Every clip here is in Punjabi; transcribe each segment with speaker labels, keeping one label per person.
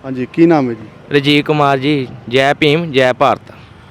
Speaker 1: हाँ जी की नाम है जी?
Speaker 2: ਰਜੀਵ ਕੁਮਾਰ ਜੀ। ਜੈ ਭੀਮ ਜੈ ਭਾਰਤ।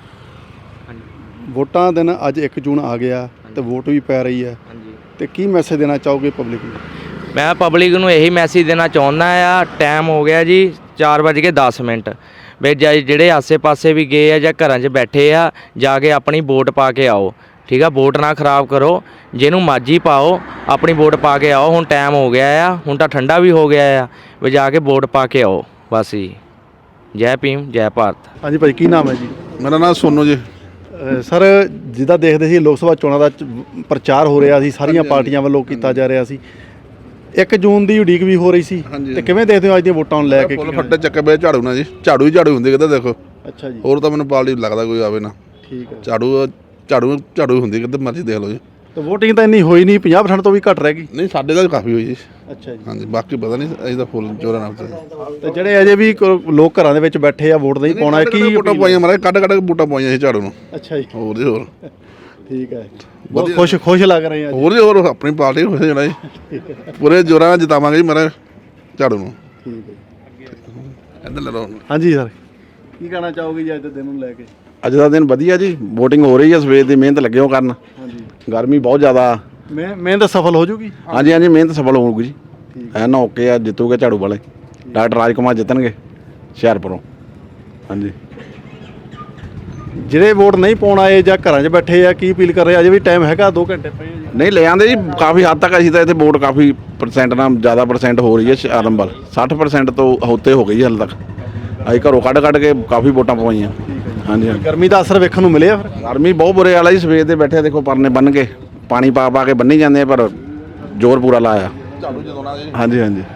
Speaker 1: ਵੋਟਾਂ ਦਿਨ ਅੱਜ 1 ਜੂਨ ਆ ਗਿਆ ਤੇ ਵੋਟ ਵੀ ਪੈ ਰਹੀ ਹੈ
Speaker 2: ਹਾਂਜੀ,
Speaker 1: ਤੇ ਕੀ ਮੈਸੇਜ ਦੇਣਾ ਚਾਹੋਗੇ ਪਬਲਿਕ ਨੂੰ?
Speaker 2: ਮੈਂ ਪਬਲਿਕ ਨੂੰ ਇਹੀ ਮੈਸੇਜ ਦੇਣਾ ਚਾਹੁੰਦਾ ਆ। ਟਾਈਮ ਹੋ ਗਿਆ ਜੀ 4:10 ਵੀ ਜਿਹੜੇ ਆਸੇ-ਪਾਸੇ ਵੀ ਗਏ ਆ ਜਾਂ ਘਰਾਂ 'ਚ ਬੈਠੇ ਆ, ਜਾ ਕੇ ਆਪਣੀ ਵੋਟ ਪਾ ਕੇ ਆਓ। ਠੀਕ ਆ, ਵੋਟ ਨਾ ਖਰਾਬ ਕਰੋ, ਜਿਹਨੂੰ ਮਰਜ਼ੀ ਪਾਓ, ਆਪਣੀ ਵੋਟ ਪਾ ਕੇ ਆਓ। ਹੁਣ ਟਾਈਮ ਹੋ ਗਿਆ ਆ, ਹੁਣ ਤਾਂ ਠੰਡਾ ਵੀ ਹੋ ਗਿਆ ਆ, ਵੀ ਜਾ ਕੇ ਵੋਟ ਪਾ ਕੇ ਆਓ ਬਸ ਜੀ। ਜੈ ਭੀਮ ਜੈ ਭਾਰਤ।
Speaker 1: हाँ जी भाई की नाम है जी?
Speaker 3: ਮੇਰਾ ਨਾਮ ਸੋਨੂ ਜੀ।
Speaker 1: ਸਰ ਜਿੱਦਾਂ ਦੇਖਦੇ ਸੀ ਲੋਕ ਸਭਾ ਚੋਣਾਂ ਦਾ ਪ੍ਰਚਾਰ ਹੋ ਰਿਹਾ ਸੀ, ਸਾਰੀਆਂ ਪਾਰਟੀਆਂ ਵੱਲੋਂ ਕੀਤਾ ਜਾ ਰਿਹਾ ਸੀ। 1 ਜੂਨ ਦੀ ਉਡੀਕ ਵੀ ਹੋ ਰਹੀ ਸੀ ਤੇ ਕਿਵੇਂ ਦੇਖਦੇ ਹੋ ਅੱਜ ਦੀਆਂ ਵੋਟਾਂ ਨੂੰ ਲੈ ਕੇ?
Speaker 3: ਫੁੱਲ ਫੱਟੇ ਚੱਕੇ ਪਏ ਝਾੜੂ ਨਾਲ ਜੀ, ਝਾੜੂ ਹੀ ਝਾੜੂ ਹੁੰਦੀ ਕਿਤੇ ਦੇਖੋ।
Speaker 1: ਅੱਛਾ ਜੀ,
Speaker 3: ਹੋਰ ਤਾਂ ਮੈਨੂੰ ਪਾਰਟੀ ਲੱਗਦਾ ਕੋਈ ਆਵੇ ਨਾ।
Speaker 1: ਠੀਕ ਹੈ।
Speaker 3: ਝਾੜੂ ਹੁੰਦੀ ਕਿਤੇ ਮਰਜ਼ੀ ਦੇਖ ਲਓ ਜੀ।
Speaker 1: ਤੇ VOTING ਤਾਂ ਇੰਨੀ ਹੋਈ ਨਹੀਂ, 50% ਤੋਂ ਵੀ ਘੱਟ ਰਹਿ ਗਈ।
Speaker 3: ਨਹੀਂ ਸਾਡੇ ਤਾਂ ਕਾਫੀ ਹੋਈ ਜੀ।
Speaker 1: ਅੱਛਾ ਜੀ।
Speaker 3: ਹਾਂਜੀ, ਬਾਕੀ ਪਤਾ ਨਹੀਂ, ਅਸੀਂ ਤਾਂ ਫੁੱਲ ਜੋਰਾਂ ਨਾਲ
Speaker 1: ਤੇ ਜਿਹੜੇ ਅਜੇ ਵੀ ਲੋਕ ਘਰਾਂ ਦੇ ਵਿੱਚ ਬੈਠੇ ਆ ਵੋਟ ਨਹੀਂ ਪਾਉਣਾ, ਕੀ
Speaker 3: ਵੋਟਾਂ ਪਾਈਆਂ ਮਾਰੇ ਕੱਢ ਵੋਟਾਂ ਪਾਈਆਂ ਸੀ ਝਾੜੂ ਨੂੰ।
Speaker 1: ਅੱਛਾ ਜੀ,
Speaker 3: ਹੋਰ ਜੀ ਹੋਰ
Speaker 1: ਠੀਕ ਹੈ। ਬਹੁਤ ਖੁਸ਼ ਲੱਗ ਰਹੇ ਆ।
Speaker 3: ਹੋਰ ਜੀ ਹੋਰ ਆਪਣੀ ਪਾਰਟੀ ਖੁਸ਼ ਹੋਣਾ ਜੀ। ਪੂਰੇ ਜੋਰਾਂ ਨਾਲ ਜਿਤਾਵਾਂਗੇ ਜੀ ਮਾਰੇ ਝਾੜੂ ਨੂੰ।
Speaker 1: ਠੀਕ ਹੈ।
Speaker 3: ਇੱਧਰ ਲੈ ਲਓ।
Speaker 1: ਹਾਂਜੀ ਸਰ ਕੀ ਕਹਿਣਾ ਚਾਹੋਗੇ ਜੀ ਅੱਜ ਦੇ ਦਿਨ ਨੂੰ ਲੈ ਕੇ?
Speaker 4: ਅੱਜ ਦਾ ਦਿਨ ਵਧੀਆ ਜੀ, VOTING ਹੋ ਰਹੀ ਹੈ, ਸਵੇਰ ਦੀ ਮਿਹਨਤ ਲੱਗੇ ਹੋ ਕਰਨ।
Speaker 1: ਹਾਂਜੀ,
Speaker 4: ਗਰਮੀ ਬਹੁਤ ਜ਼ਿਆਦਾ।
Speaker 1: ਮਿਹਨਤ ਸਫਲ ਹੋ ਜੂਗੀ।
Speaker 4: ਹਾਂਜੀ ਹਾਂਜੀ, ਮਿਹਨਤ ਸਫਲ ਹੋਊਗੀ ਜੀ। ਐਨ ਓਕੇ ਆ, ਜਿੱਤੂਗੇ ਝਾੜੂ ਵਾਲੇ। ਡਾਕਟਰ ਰਾਜ ਕੁਮਾਰ ਜਿੱਤਣਗੇ ਹੁਸ਼ਿਆਰਪੁਰੋਂ। ਹਾਂਜੀ,
Speaker 1: ਜਿਹੜੇ ਵੋਟ ਨਹੀਂ ਪਾਉਣ ਆਏ ਜਾਂ ਘਰਾਂ 'ਚ ਬੈਠੇ ਆ, ਕੀ ਅਪੀਲ ਕਰ ਰਹੇ? ਅਜੇ ਵੀ ਟਾਈਮ ਹੈਗਾ, 2 ਘੰਟੇ ਪਏ ਆ ਜੀ।
Speaker 4: ਨਹੀਂ ਲੈ ਆਂਦੇ ਜੀ ਕਾਫੀ ਹੱਦ ਤੱਕ। ਅਸੀਂ ਤਾਂ ਇੱਥੇ ਵੋਟ ਕਾਫੀ % ਨਾਲ ਜ਼ਿਆਦਾ % ਹੋ ਰਹੀ ਹੈ ਹੁਸ਼ਿਆਰਪੁਰ ਵੱਲ। 60% ਤੋਂ ਉੱਤੇ ਹੋ ਗਈ ਹਾਲੇ ਤੱਕ। ਅਸੀਂ ਘਰੋਂ ਕੱਢ ਕੇ ਕਾਫੀ ਵੋਟਾਂ ਪਵਾਈਆਂ। ਹਾਂਜੀ ਹਾਂਜੀ,
Speaker 1: ਗਰਮੀ ਦਾ ਅਸਰ ਵੇਖਣ ਨੂੰ ਮਿਲਿਆ ਫਿਰ?
Speaker 4: ਗਰਮੀ ਬਹੁਤ ਬੁਰੇ ਵਾਲਾ ਜੀ। ਸਵੇਰ ਦੇ ਬੈਠੇ ਦੇਖੋ, ਪਰਨੇ ਬੰਨ ਕੇ ਪਾਣੀ ਪਾ ਕੇ ਬੰਨੀ ਜਾਂਦੇ ਆ, ਪਰ ਜ਼ੋਰ ਪੂਰਾ ਲਾਇਆ।
Speaker 3: ਝਾੜੂ ਜਦੋਂ ਨਾਲ ਜੀ।
Speaker 4: ਹਾਂਜੀ ਹਾਂਜੀ।